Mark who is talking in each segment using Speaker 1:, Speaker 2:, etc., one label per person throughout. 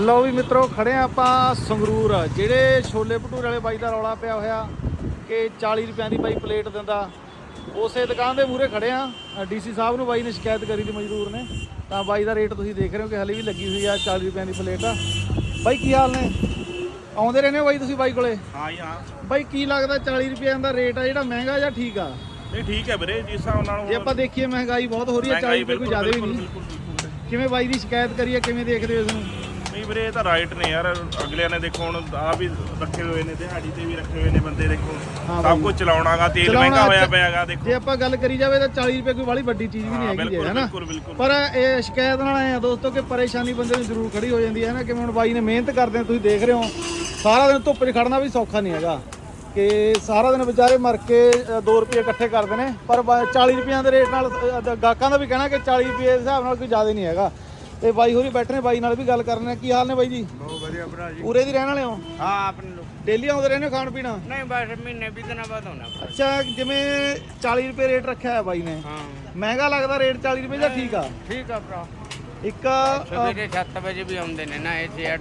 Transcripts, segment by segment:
Speaker 1: ਲਓ ਵੀ ਮਿੱਤਰੋ, ਖੜੇ ਆ ਆਪਾਂ ਸੰਗਰੂਰ। ਜਿਹੜੇ ਛੋਲੇ ਭਟੂਰੇ ਵਾਲੇ ਬਾਈ ਦਾ ਰੌਲਾ ਪਿਆ ਹੋਇਆ ਕਿ 40 ਰੁਪਏ ਦੀ ਬਾਈ ਪਲੇਟ ਦਿੰਦਾ, ਉਸੇ ਦੁਕਾਨ ਦੇ ਮੂਹਰੇ ਖੜੇ ਆ। ਡੀਸੀ ਸਾਹਿਬ ਨੂੰ ਬਾਈ ਨੇ ਸ਼ਿਕਾਇਤ ਕਰੀ ਦੀ ਮਜ਼ਦੂਰ ਨੇ, ਤਾਂ ਬਾਈ ਦਾ ਰੇਟ ਤੁਸੀਂ ਦੇਖ ਰਹੇ ਹੋ ਕਿ ਹਲੇ ਵੀ ਲੱਗੀ ਹੋਈ ਆ 40 ਰੁਪਏ ਦੀ ਪਲੇਟ ਆ। ਬਾਈ ਕੀ ਹਾਲ ਨੇ? ਆਉਂਦੇ ਰਹਿੰਦੇ ਹੋ ਬਾਈ ਤੁਸੀਂ ਬਾਈ ਕੋਲੇ?
Speaker 2: ਹਾਂ ਜੀ ਹਾਂ
Speaker 1: ਬਾਈ ਕੀ ਲੱਗਦਾ 40 ਰੁਪਏ ਦਾ ਰੇਟ ਆ ਜਿਹੜਾ ਮਹਿੰਗਾ ਜਾਂ ਠੀਕ ਆ?
Speaker 2: ਨਹੀਂ ਠੀਕ ਹੈ ਵੀਰੇ, ਜਿਸ ਹਿਸਾਬ ਨਾਲ
Speaker 1: ਜੇ ਆਪਾਂ ਦੇਖੀਏ ਮਹਿੰਗਾਈ ਬਹੁਤ ਹੋ ਰਹੀ ਹੈ, 40 ਰੁਪਏ ਕੋਈ ਜ਼ਿਆਦਾ ਵੀ ਨਹੀਂ। ਕਿਵੇਂ ਬਾਈ ਦੀ ਸ਼ਿਕਾਇਤ ਕਰੀਏ, ਕਿਵੇਂ ਦੇਖਦੇ ਹੋ ਇਸ ਨੂੰ?
Speaker 2: ਨਹੀਂ ਵੀਰੇ, ਇਹ ਤਾਂ ਰਾਈਟ ਨੇ ਯਾਰ। ਅਗਲਿਆਂ ਨੇ ਦੇਖੋ ਹੁਣ ਆ ਵੀ ਰੱਖੇ ਹੋਏ ਨੇ, ਦਿਹਾੜੀ ਤੇ ਵੀ ਰੱਖੇ ਹੋਏ ਨੇ ਬੰਦੇ। ਦੇਖੋ ਸਭ ਕੁਝ ਚਲਾਉਣਾਗਾ, ਤੇਲ ਮਹਿੰਗਾ ਹੋਇਆ ਪਿਆਗਾ। ਦੇਖੋ
Speaker 1: ਜੇ ਆਪਾਂ ਗੱਲ ਕਰੀ ਜਾਵੇ ਤਾਂ 40 ਰੁਪਏ ਕੋਈ ਵਾਲੀ ਵੱਡੀ ਚੀਜ਼ ਵੀ ਨਹੀਂ ਹੈਗੀ ਹੈ ਨਾ। ਪਰ ਇਹ ਸ਼ਿਕਾਇਤ ਨਾਲ ਆਏ ਆ ਦੋਸਤੋ ਕਿ ਪਰੇਸ਼ਾਨੀ ਬੰਦੇ ਨੂੰ ਜ਼ਰੂਰ ਖੜੀ ਹੋ ਜਾਂਦੀ ਹੈ ਨਾ। ਕਿਵੇਂ ਹੁਣ ਬਾਈ ਨੇ ਮਿਹਨਤ ਕਰਦੇ ਆ, ਤੁਸੀਂ ਦੇਖ ਰਹੇ ਹੋ। ਸਾਰਾ ਦਿਨ ਧੁੱਪ 'ਚ ਖੜਨਾ ਵੀ ਸੌਖਾ ਨਹੀਂ ਹੈਗਾ ਕਿ ਸਾਰਾ ਦਿਨ ਵਿਚਾਰੇ ਮਰ ਕੇ 2 ਰੁਪਏ ਇਕੱਠੇ ਕਰਦੇ ਨੇ। ਪਰ 40 ਰੁਪਈਆਂ ਦੇ ਰੇਟ ਨਾਲ ਗਾਹਕਾਂ ਦਾ ਵੀ ਕਹਿਣਾ ਕਿ 40 ਰੁਪਏ ਦੇ ਹਿਸਾਬ ਨਾਲ ਕੋਈ ਜ਼ਿਆਦਾ ਨਹੀਂ ਹੈਗਾ। ਤੇ ਬਾਈ ਹੋਰੀ ਬੈਠੇ ਨੇ, ਬਾਈ ਨਾਲ ਵੀ ਗੱਲ ਕਰਨੇ। ਕੀ ਹਾਲ ਨੇ ਬਾਈ ਜੀ?
Speaker 3: ਬਹੁਤ ਵਧੀਆ ਭਰਾ ਜੀ।
Speaker 1: ਉਰੇ ਦੀ ਰਹਿਣ ਵਾਲੇ ਹੋ?
Speaker 3: ਹਾਂ ਆਪਣੇ ਲੋਕ
Speaker 1: ਡੇਲੀ ਆਉਂਦੇ ਰਹਿੰਦੇ ਹੋ ਖਾਣ ਪੀਣਾ?
Speaker 3: ਨਹੀਂ, ਬਸ ਮਹੀਨੇ 20 ਦਿਨਾਂ ਬਾਅਦ ਆਉਣਾ।
Speaker 1: ਅੱਛਾ, ਜਿਵੇਂ 40 ਰੁਪਏ ਰੇਟ ਰੱਖਿਆ ਹੈ ਬਾਈ ਨੇ,
Speaker 3: ਹਾਂ
Speaker 1: ਮਹਿੰਗਾ ਲੱਗਦਾ ਰੇਟ 40 ਰੁਪਏ ਜਾਂ ਠੀਕ ਆ?
Speaker 3: ਠੀਕ ਆ ਭਰਾ।
Speaker 1: ਇੱਕ
Speaker 3: ਸਵੇਰੇ 7 ਵਜੇ ਵੀ ਆਉਂਦੇ ਨੇ ਨਾ, ਇੱਥੇ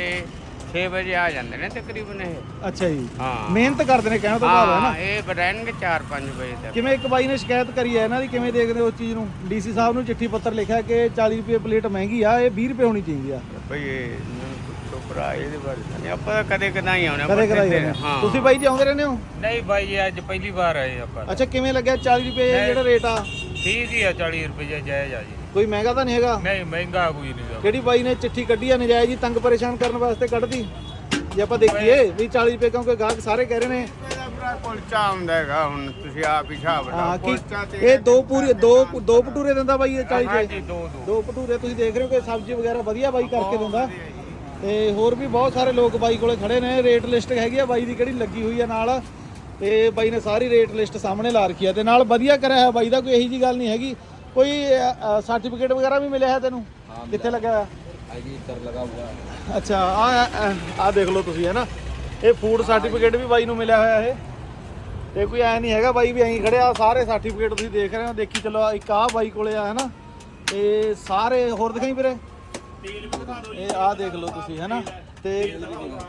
Speaker 3: 6 ਵਜੇ ਆ ਜਾਂਦੇ ਨੇ ਤਕਰੀਬਨ ਇਹ।
Speaker 1: ਅੱਛਾ ਜੀ,
Speaker 3: ਹਾਂ
Speaker 1: ਮਿਹਨਤ ਕਰਦੇ ਨੇ ਕਹਿਣ ਤੋਂ ਭਾਵ ਹੈ ਨਾ।
Speaker 3: ਇਹ ਰਹਿਣਗੇ 4-5 ਵਜੇ ਤੱਕ।
Speaker 1: ਕਿਵੇਂ ਇੱਕ ਬਾਈ ਨੇ ਸ਼ਿਕਾਇਤ ਕਰੀ ਹੈ ਇਹਨਾਂ ਦੀ, ਕਿਵੇਂ ਦੇਖਦੇ ਹੋ ਉਸ ਚੀਜ਼ ਨੂੰ? ਡੀਸੀ ਸਾਹਿਬ ਨੂੰ ਚਿੱਠੀ ਪੱਤਰ ਲਿਖਿਆ ਕਿ 40 ਰੁਪਏ ਪਲੇਟ ਮਹਿੰਗੀ ਆ, ਇਹ 20 ਰੁਪਏ ਹੋਣੀ ਚਾਹੀਦੀ ਆ।
Speaker 3: ਬਈ ਇਹ ਪੁੱਛੋ ਭਰਾ, ਇਹਦੇ ਬਾਰੇ ਨਹੀਂ ਆਪਾਂ ਕਦੇ ਕਦਾਈ ਆਉਣਾ।
Speaker 1: ਕਦੇ ਕਰਾਈ
Speaker 3: ਹਾਂ।
Speaker 1: ਤੁਸੀਂ ਬਾਈ ਜੀ ਆਉਂਦੇ ਰਹਿੰਦੇ ਹੋ?
Speaker 3: ਨਹੀਂ ਬਾਈ, ਅੱਜ ਪਹਿਲੀ ਵਾਰ ਆਏ ਆਪਾਂ।
Speaker 1: ਅੱਛਾ, ਕਿਵੇਂ ਲੱਗਿਆ 40 ਰੁਪਏ ਜਿਹੜਾ ਰੇਟ ਆ?
Speaker 3: ਠੀਕ ਹੀ ਆ, 40 ਰੁਪਏ ਜਾਇਜ਼ ਆ ਜੀ।
Speaker 1: ਕੋਈ ਮਹਿੰਗਾ ਤਾਂ ਨਹੀਂ ਹੈਗਾ?
Speaker 3: ਨਹੀਂ ਮਹਿੰਗਾ ਕੋਈ ਨਹੀਂ।
Speaker 1: ਕਿਹੜੀ ਬਾਈ ਨੇ ਚਿੱਠੀ ਕੱਢੀ ਆ ਨਜਾਇਜ਼ ਹੀ ਤੰਗ ਪਰੇਸ਼ਾਨ ਕਰਨ ਵਾਸਤੇ ਕੱਢਦੀ? ਜੇ ਆਪਾਂ ਦੇਖੀਏ ਵੀ 40 ਰੁਪਏ, ਕਿਉਂਕਿ ਗਾਹਕ ਸਾਰੇ ਕਹਿ ਰਹੇ ਨੇ।
Speaker 3: ਕੁਲਚਾ ਆਉਂਦਾ ਹੈਗਾ, ਹੁਣ ਤੁਸੀਂ ਆਪ ਹੀ ਹਿਸਾਬ
Speaker 1: ਹਾਂ
Speaker 3: ਲਾਓ।
Speaker 1: ਕਿ
Speaker 3: ਕੁਲਚਾ ਤੇ
Speaker 1: ਇਹ ਦੋ ਭਟੂਰੇ ਦਿੰਦਾ ਬਾਈ ਇਹ 40
Speaker 3: ਹਾਂ
Speaker 1: ਰੁਪਏ?
Speaker 3: ਜੀ, ਦੋ
Speaker 1: ਦੋ ਭਟੂਰੇ ਤੁਸੀਂ ਦੇਖ ਰਹੇ ਹੋ ਕਿ ਸਬਜ਼ੀ ਵਗੈਰਾ ਵਧੀਆ ਬਾਈ ਕਰਕੇ ਦਿੰਦਾ। ਤੇ ਹੋਰ ਵੀ ਬਹੁਤ ਸਾਰੇ ਲੋਕ ਬਾਈ ਕੋਲੇ ਖੜੇ ਨੇ। ਰੇਟ ਲਿਸਟ ਹੈਗੀ ਆ ਬਾਈ ਦੀ ਕਿਹੜੀ ਲੱਗੀ ਹੋਈ ਆ ਨਾਲ, ਤੇ ਬਾਈ ਨੇ ਸਾਰੀ ਰੇਟ ਲਿਸਟ ਸਾਹਮਣੇ ਲਾ ਰੱਖੀ ਆ। ਤੇ ਨਾਲ ਵਧੀਆ ਕਰਿਆ ਹੈ ਬਾਈ ਦਾ, ਕੋਈ ਇਹੀ ਜੀ ਗੱਲ ਨਹੀਂ ਹੈਗੀ। ਕੋਈ ਸਰਟੀਫਿਕੇਟ ਵਗੈਰਾ ਵੀ ਮਿਲਿਆ ਹੈ ਤੈਨੂੰ? ਕਿੱਥੇ ਲੱਗਿਆ ਹੋਇਆ? ਅੱਛਾ, ਆ ਦੇਖ ਲਓ ਤੁਸੀਂ, ਹੈ ਨਾ। ਇਹ ਫੂਡ ਸਰਟੀਫਿਕੇਟ ਵੀ ਬਾਈ ਨੂੰ ਮਿਲਿਆ ਹੋਇਆ ਇਹ। ਤੇ ਕੋਈ ਐ ਨਹੀਂ ਹੈਗਾ ਬਾਈ ਵੀ ਐਂ ਖੜਿਆ। ਸਾਰੇ ਸਰਟੀਫਿਕੇਟ ਤੁਸੀਂ ਦੇਖ ਰਹੇ ਹੋ, ਦੇਖੀ ਚੱਲੋ। ਇੱਕ ਆਹ ਬਾਈ ਕੋਲੇ ਆ, ਹੈ ਨਾ। ਤੇ ਸਾਰੇ ਹੋਰ ਦਿਖਾਈ ਵੀਰੇ, ਇਹ ਆਹ ਦੇਖ ਲਓ ਤੁਸੀਂ, ਹੈ ਨਾ। ਤੇ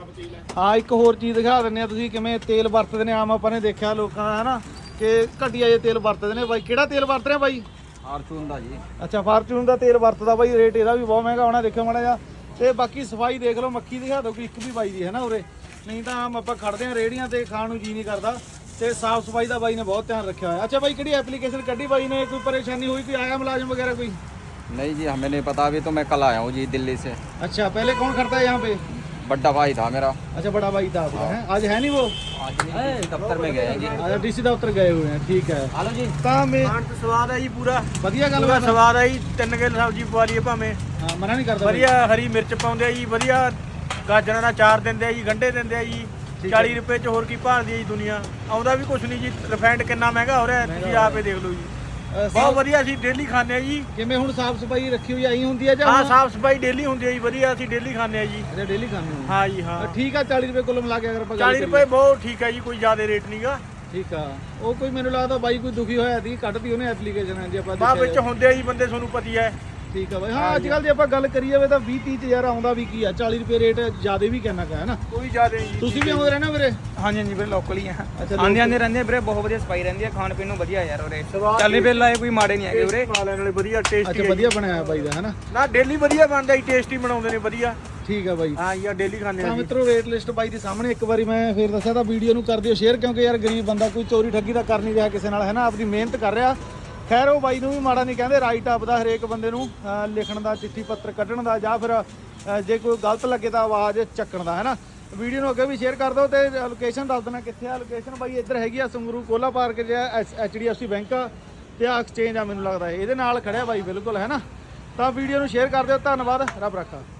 Speaker 1: ਹਾਂ, ਇੱਕ ਹੋਰ ਚੀਜ਼ ਦਿਖਾ ਦਿੰਦੇ ਆ ਤੁਸੀਂ ਕਿਵੇਂ ਤੇਲ ਵਰਤਦੇ ਨੇ। ਆਮ ਆਪਾਂ ਨੇ ਦੇਖਿਆ ਲੋਕਾਂ ਦਾ, ਹੈ ਨਾ, ਕਿ ਘਟੀਆ ਜਿਹੇ ਤੇਲ ਵਰਤਦੇ ਨੇ। ਬਾਈ ਕਿਹੜਾ ਤੇਲ ਵਰਤ ਰਿਹਾ ਬਾਈ?
Speaker 3: ਫਾਰਚੂਨ ਦਾ ਜੀ।
Speaker 1: ਅੱਛਾ, ਫਾਰਚੂਨ ਦਾ ਤੇਲ ਵਰਤਦਾ ਬਾਈ। ਰੇਟ ਇਹਦਾ ਵੀ ਬਹੁਤ ਮਹਿੰਗਾ ਹੋਣਾ, ਦੇਖਿਓ ਮਾੜਾ ਜਿਹਾ। ਤੇ ਬਾਕੀ ਸਫਾਈ ਦੇਖ ਲਓ, ਮੱਖੀ ਦਿਖਾ ਦਿਓ ਕੋਈ ਇੱਕ ਵੀ ਬਾਈ ਦੀ, ਹੈ ਨਾ ਉਰੇ। ਨਹੀਂ ਤਾਂ ਆਮ ਆਪਾਂ ਖੜਦੇ ਆ ਰੇਹੜੀਆਂ ਤੇ, ਖਾਣ ਨੂੰ ਜੀ ਨਹੀਂ ਕਰਦਾ। ਤੇ ਸਾਫ ਸਫਾਈ ਦਾ ਬਾਈ ਨੇ ਬਹੁਤ ਧਿਆਨ ਰੱਖਿਆ ਹੋਇਆ। ਅੱਛਾ ਬਾਈ, ਕਿਹੜੀ ਐਪਲੀਕੇਸ਼ਨ ਕੱਢੀ ਬਾਈ ਨੇ? ਕੋਈ ਪਰੇਸ਼ਾਨੀ ਹੋਈ, ਕੋਈ ਆਇਆ ਮੁਲਾਜ਼ਮ वगैरह कोई?
Speaker 4: नहीं जी, हमें नहीं पता। अभी तो मैं कल आया हूँ जी दिल्ली से।
Speaker 1: अच्छा, पहले कौन करता है यहाँ पे?
Speaker 4: बड़ा भाई था मेरा।
Speaker 1: अच्छा, बड़ा भाई था आपका, है? आज है नहीं वो?
Speaker 4: आज नहीं, दफ्तर में गए हैं जी।
Speaker 1: अच्छा, डीसी दफ्तर गए हुए हैं, ठीक है।
Speaker 4: हेलो जी।
Speaker 1: काम में
Speaker 3: ਖਾਣ ਤੋਂ ਸਵਾਦ ਆ ਜੀ, ਪੂਰਾ
Speaker 1: ਵਧੀਆ ਗੱਲ ਬਾਤ।
Speaker 3: ਸਵਾਦ ਆ ਜੀ। 3 ਕਿਲੋ ਸਬਜ਼ੀ ਪਵਾ ਲਈਏ ਭਾਵੇਂ।
Speaker 1: ਹਾਂ, ਮਨਾ ਨਹੀਂ ਕਰਦਾ।
Speaker 3: ਵਧੀਆ ਹਰੀ ਮਿਰਚ ਪਾਉਂਦੇ ਆ ਜੀ, ਵਧੀਆ ਗਾਜਰਾਂ ਦਾ ਚਾਰ ਦਿੰਦੇ ਆ ਜੀ, ਗੰਢੇ ਦਿੰਦੇ ਆ ਜੀ। 40 ਰੁਪਏ ਚ ਹੋਰ ਕੀ ਭਾਲਦੀ ਆ ਜੀ ਦੁਨੀਆ। ਆਉਂਦਾ ਵੀ ਕੁਛ ਨਹੀਂ ਜੀ। ਰਿਫਾਈਂਡ ਕਿੰਨਾ ਮਹਿੰਗਾ ਹੋ ਰਿਹਾ, ਤੁਸੀਂ ਆਪੇ ਦੇਖ ਲਓ ਜੀ। ਬਹੁਤ ਵਧੀਆ, ਅਸੀਂ ਡੇਲੀ ਖਾਂਦੇ ਆ ਜੀ।
Speaker 1: ਕਿਵੇਂ ਹੁਣ ਸਾਫ ਸਫਾਈ ਰੱਖੀ ਹੋਈ ਆਈ ਹੁੰਦੀ ਹੈ ਜਾਂ?
Speaker 3: ਹਾਂ, ਸਾਫ ਸਫਾਈ ਡੇਲੀ ਹੁੰਦੀ ਹੈ ਜੀ, ਵਧੀਆ। ਅਸੀਂ ਡੇਲੀ ਖਾਂਦੇ ਆ ਜੀ।
Speaker 1: ਅੱਛਾ, ਡੇਲੀ ਖਾਂਦੇ ਹੋ?
Speaker 3: ਹਾਂ ਜੀ ਹਾਂ।
Speaker 1: ਠੀਕ ਆ, 40 ਰੁਪਏ ਕੁੱਲ ਮਿਲਾ ਕੇ ਅਗਰ ਆਪਾਂ
Speaker 3: 40 ਰੁਪਏ ਬਹੁਤ ਠੀਕ ਹੈ ਜੀ, ਕੋਈ ਜ਼ਿਆਦਾ ਰੇਟ ਨਹੀਂਗਾ।
Speaker 1: ਠੀਕ ਆ। ਉਹ ਕੋਈ ਮੈਨੂੰ ਲੱਗਦਾ ਬਾਈ ਕੋਈ ਦੁਖੀ ਹੋਇਆ ਸੀ, ਕੱਢਤੀ ਉਹਨੇ ਐਪਲੀਕੇਸ਼ਨ। ਜੇ ਆਪਾਂ
Speaker 3: ਬਾਅਦ ਵਿੱਚ ਹੁੰਦੇ ਆ ਜੀ ਬੰਦੇ, ਤੁਹਾਨੂੰ ਪਤੀ ਹੈ।
Speaker 1: ਠੀਕ ਆ ਬਾਈ। ਹਾਂ, ਅੱਜ ਕੱਲ ਜੇ ਆਪਾਂ ਗੱਲ ਕਰੀ ਜਾਵੇ ਤਾਂ 20-30 ਚ ਯਾਰ ਆਉਂਦਾ ਵੀ ਕੀ ਆ। 40 ਰੁਪਏ ਰੇਟ ਜ਼ਿਆਦਾ ਵੀ ਕਹਿਣਾ ਹੈ ਨਾ।
Speaker 3: ਕੋਈ ਜ਼ਿਆਦਾ ਨਹੀਂ ਜੀ।
Speaker 1: ਤੁਸੀਂ ਵੀ ਆਉਂਦੇ ਰਹਿਣਾ ਵੀਰੇ?
Speaker 4: ਹਾਂਜੀ ਹਾਂਜੀ ਵੀਰੇ, ਲੋਕਲ ਹੀ ਆ।
Speaker 1: ਅੱਛਾ,
Speaker 4: ਆਂਦੇ ਰਹਿੰਦੇ ਵੀਰੇ, ਬਹੁਤ ਵਧੀਆ ਸਫਾਈ ਰਹਿੰਦੀ ਹੈ। ਖਾਣ ਪੀਣ ਨੂੰ ਵਧੀਆ ਯਾਰ ਉਰੇ। 40 ਰੁਪਏ ਲਾਏ ਕੋਈ ਮਾੜੇ ਨਹੀਂ ਹੈਗੇ ਉਰੇ।
Speaker 3: ਖਾ ਲੈਣ ਵਾਲੇ ਵਧੀਆ, ਟੇਸਟੀ।
Speaker 1: ਅੱਛਾ, ਵਧੀਆ ਬਣਾਇਆ ਬਾਈ ਦਾ, ਹੈ ਨਾ।
Speaker 3: ਨਾ ਡੇਲੀ ਵਧੀਆ ਬਣਦਾ ਜੀ, ਟੇਸਟੀ ਬਣਾਉਂਦੇ ਨੇ ਵਧੀਆ।
Speaker 1: ਠੀਕ ਆ ਬਾਈ।
Speaker 3: ਹਾਂ ਯਾਰ, ਡੇਲੀ ਖਾਂਦੇ ਆ
Speaker 1: ਤਾਂ
Speaker 3: ਜੀ।
Speaker 1: ਮਿੱਤਰੋ, ਰੇਟ ਲਿਸਟ ਬਾਈ ਦੇ ਸਾਹਮਣੇ ਇੱਕ ਵਾਰੀ ਮੈਂ ਫੇਰ ਦੱਸਿਆ ਤਾਂ ਵੀਡੀਓ ਨੂੰ ਕਰ ਦਿਓ ਸ਼ੇਅਰ, ਕਿਉਂਕਿ ਯਾਰ ਗਰੀਬ ਬੰਦਾ ਕੋਈ ਚੋਰੀ ਠੱਗੀ ਤਾਂ ਕਰ ਨਹੀਂ ਰਿਹਾ ਕਿਸੇ ਨਾਲ, ਹੈ ਨਾ। ਆਪਦੀ ਮਿਹਨਤ ਕਰ ਰਿਹਾ। ਖੈਰ, ਉਹ ਬਾਈ ਨੂੰ ਵੀ ਮਾੜਾ ਨਹੀਂ ਕਹਿੰਦੇ। ਰਾਈਟ ਆਪ ਦਾ ਹਰੇਕ ਬੰਦੇ ਨੂੰ ਲਿਖਣ ਦਾ, ਚਿੱਠੀ ਪੱਤਰ ਕੱਢਣ ਦਾ, ਜਾਂ ਫਿਰ ਜੇ ਕੋਈ ਗਲਤ ਲੱਗੇ ਤਾਂ ਆਵਾਜ਼ ਚੱਕਣ ਦਾ, ਹੈ ਨਾ। ਵੀਡੀਓ ਨੂੰ ਅੱਗੇ ਵੀ ਸ਼ੇਅਰ ਕਰ ਦਿਓ। ਤੇ ਲੋਕੇਸ਼ਨ ਦੱਸ ਦੇਣਾ ਕਿੱਥੇ ਆ। ਲੋਕੇਸ਼ਨ ਬਾਈ ਇੱਧਰ ਹੈਗੀ ਆ ਸੰਗਰੂਰ ਕੋਲਾ ਪਾਰਕ, ਜਿਹੜਾ HDFC ਬੈਂਕ ਤੇ ਆ ਐਕਸਚੇਂਜ ਆ ਮੈਨੂੰ ਲੱਗਦਾ ਇਹਦੇ ਨਾਲ ਖੜਿਆ ਬਾਈ, ਬਿਲਕੁਲ, ਹੈ ਨਾ। ਤਾਂ ਵੀਡੀਓ ਨੂੰ ਸ਼ੇਅਰ ਕਰ ਦਿਓ। ਧੰਨਵਾਦ, ਰੱਬ ਰਾਖਾ।